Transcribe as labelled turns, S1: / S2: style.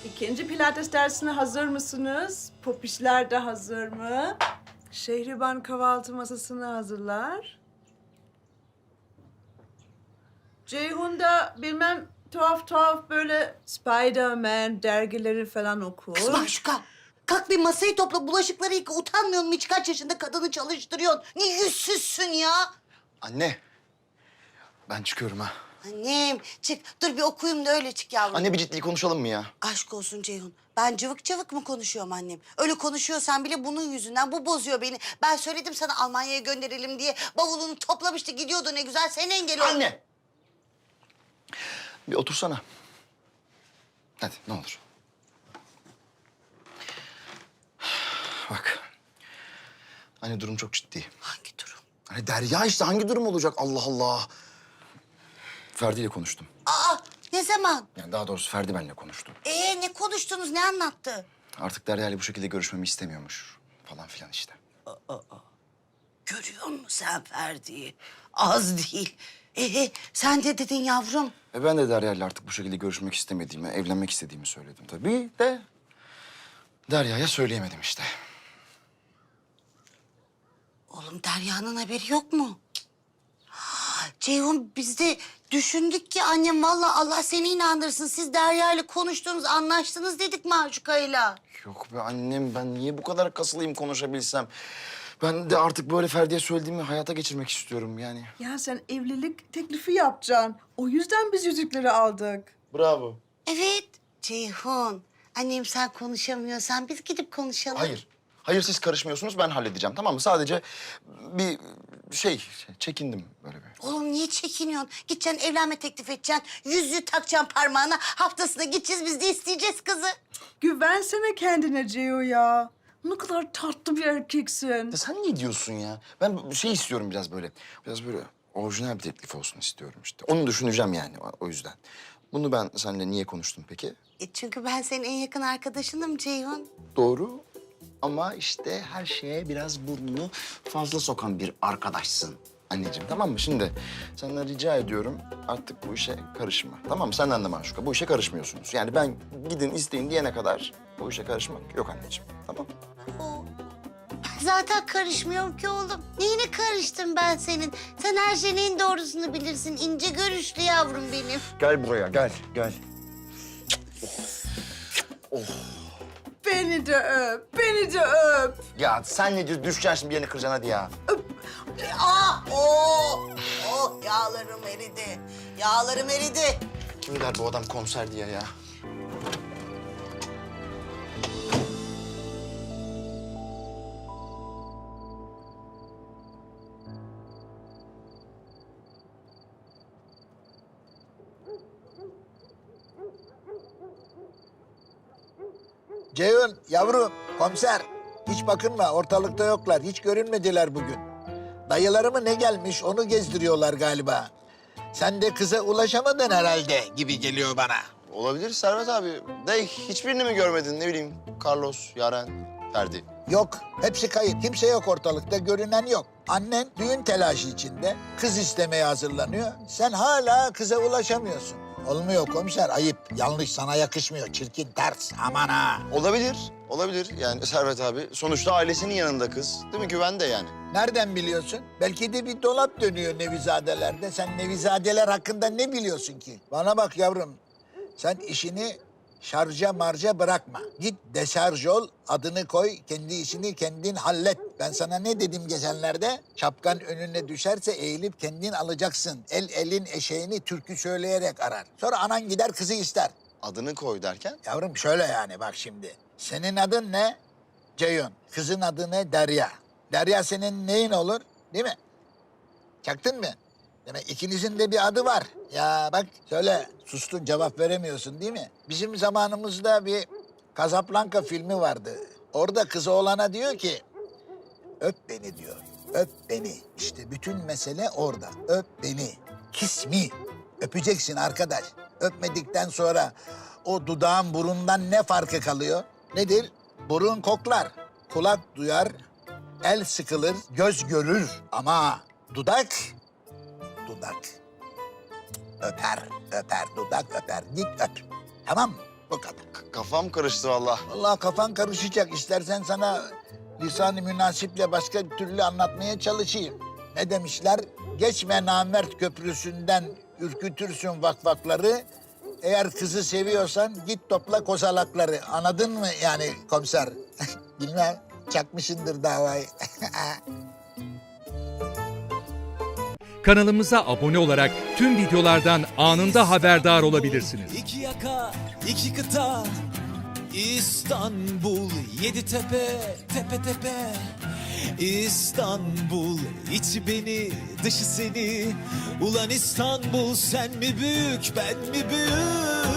S1: İkinci pilates dersine hazır mısınız? Popişler de hazır mı? Şehriban kahvaltı masasını hazırlar. Ceyhun da bilmem tuhaf tuhaf böyle Spider-Man dergileri falan okur.
S2: Kız Maşuka, kalk bir masayı topla, bulaşıkları yıka. Utanmıyor musun? Hiç kaç yaşında kadını çalıştırıyorsun. Ne yüzsüzsün ya?
S3: Anne, ben çıkıyorum ha.
S2: Annem, çık. Dur bir okuyayım da öyle çık yavrum.
S3: Anne bir ciddi konuşalım mı ya?
S2: Aşk olsun Ceyhun. Ben cıvık cıvık mı konuşuyorum annem? Öyle konuşuyorsan bile bunun yüzünden bu bozuyor beni. Ben söyledim sana Almanya'ya gönderelim diye. Bavulunu toplamıştı gidiyordu ne güzel. Sen engel oldun.
S3: Anne! Bir otursana. Hadi ne olur. Bak. Anne durum çok ciddi.
S2: Hangi durum?
S3: Hani Derya işte hangi durum olacak Allah Allah. Ferdi ile konuştum.
S2: Aa, ne zaman?
S3: Yani daha doğrusu Ferdi benimle konuştu.
S2: Ne konuştunuz, ne anlattı?
S3: Artık Derya ile bu şekilde görüşmemi istemiyormuş. Falan filan işte.
S2: Görüyor musun sen Ferdi'yi? Az değil. Sen de dedin yavrum.
S3: Ben de Derya ile artık bu şekilde görüşmek istemediğimi, evlenmek istediğimi söyledim tabii de... Derya'ya söyleyemedim işte.
S2: Oğlum Derya'nın haberi yok mu? Cık. Ceyhun biz de düşündük ki annem vallahi Allah seni inandırsın. Siz Derya ile konuştunuz, anlaştınız dedik Maşuka'yla.
S3: Yok be annem, ben niye bu kadar kasılayım konuşabilsem? Ben de artık böyle Ferdi'ye söylediğimi hayata geçirmek istiyorum yani.
S1: Ya sen evlilik teklifi yapacaksın. O yüzden biz yüzükleri aldık.
S3: Bravo.
S2: Evet Ceyhun. Annem sen konuşamıyorsan biz gidip konuşalım.
S3: Hayır. Hayır siz karışmıyorsunuz, ben halledeceğim tamam mı? Sadece bir çekindim böyle bir.
S2: Oğlum niye çekiniyorsun? Gideceksin evlenme teklif edeceksin. Yüzüğü takacaksın parmağına. Haftasına gideceğiz biz de isteyeceğiz kızı.
S1: Güvensene kendine Ceyhun ya. Ne kadar tatlı bir erkeksin.
S3: Ya sen ne diyorsun ya? Ben şey istiyorum biraz böyle. Biraz böyle orijinal bir teklif olsun istiyorum işte. Onu düşüneceğim yani o yüzden. Bunu ben seninle niye konuştum peki?
S2: Çünkü ben senin en yakın arkadaşınım Ceyhun.
S3: Doğru. Ama işte her şeye biraz burnunu fazla sokan bir arkadaşsın anneciğim, tamam mı? Şimdi senden rica ediyorum artık bu işe karışma, tamam mı? Senden de Maşuka, bu işe karışmıyorsunuz. Yani ben gidin isteyin diyene kadar bu işe karışmak yok anneciğim, tamam mı?
S2: Zaten karışmıyorum ki oğlum. Neyine karıştım ben senin? Sen her şeyin en doğrusunu bilirsin. İnce görüşlü yavrum benim.
S3: Gel buraya, gel.
S1: Beni de öp, beni de öp.
S3: Ya sen ne diyorsun? Düşeceksin şimdi, bir yerini kıracaksın hadi ya.
S2: Yağlarım eridi. Yağlarım eridi.
S3: Kim der bu adam konser diye ya?
S4: Ceyhun, yavrum, komiser. Hiç bakınma, ortalıkta yoklar. Hiç görünmediler bugün. Dayıları mı ne gelmiş, onu gezdiriyorlar galiba. Sen de kıza ulaşamadın herhalde gibi geliyor bana.
S3: Olabilir Servet abi. De hiçbirini mi görmedin? Ne bileyim Carlos, Yaren, Ferdi.
S4: Yok, hepsi kayıp. Kimse yok ortalıkta, görünen yok. Annen düğün telaşı içinde, kız istemeye hazırlanıyor. Sen hala kıza ulaşamıyorsun. Olmuyor komiser, ayıp. Yanlış, sana yakışmıyor. Çirkin, ters. Aman ha.
S3: Olabilir yani Servet abi. Sonuçta ailesinin yanında kız. Değil mi? Güvende yani.
S4: Nereden biliyorsun? Belki de bir dolap dönüyor Nevizadelerde. Sen Nevizadeler hakkında ne biliyorsun ki? Bana bak yavrum. Sen işini şarja marja bırakma. Git deşarj ol, adını koy, kendi işini kendin hallet. Ben sana ne dedim geçenlerde? Şapkan önüne düşerse eğilip kendin alacaksın. El elin eşeğini türkü söyleyerek arar. Sonra anan gider kızı ister.
S3: Adını koy derken?
S4: Yavrum şöyle yani bak şimdi. Senin adın ne? Ceyhun. Kızın adı ne? Derya. Derya senin neyin olur? Değil mi? Çaktın mı? Demek ikinizin de bir adı var. Ya bak söyle, sustun cevap veremiyorsun değil mi? Bizim zamanımızda bir Casablanca filmi vardı. Orada kızı oğlana diyor ki, öp beni diyor. Öp beni. İşte bütün mesele orada. Öp beni. Kiss me. Öpeceksin arkadaş. Öpmedikten sonra o dudağın burundan ne farkı kalıyor? Nedir? Burun koklar, kulak duyar, el sıkılır, göz görür. Ama dudak öper, dudak öper. Git öp. Tamam mı? Bu kadar.
S3: kafam karıştı vallahi.
S4: Vallahi kafan karışacak. İstersen sana lisan-ı münasiple başka bir türlü anlatmaya çalışayım. Ne demişler? Geçme namert köprüsünden ürkütürsün vakvakları. Eğer kızı seviyorsan git topla kozalakları. Anladın mı yani komiser? Bilmem, çakmışındır davayı.
S5: Kanalımıza abone olarak tüm videolardan anında haberdar olabilirsiniz.
S6: İki yaka, iki kıta, İstanbul, yedi tepe, tepe tepe. İstanbul, içi beni, dışı seni. Ulan İstanbul, sen mi büyük, ben mi büyük?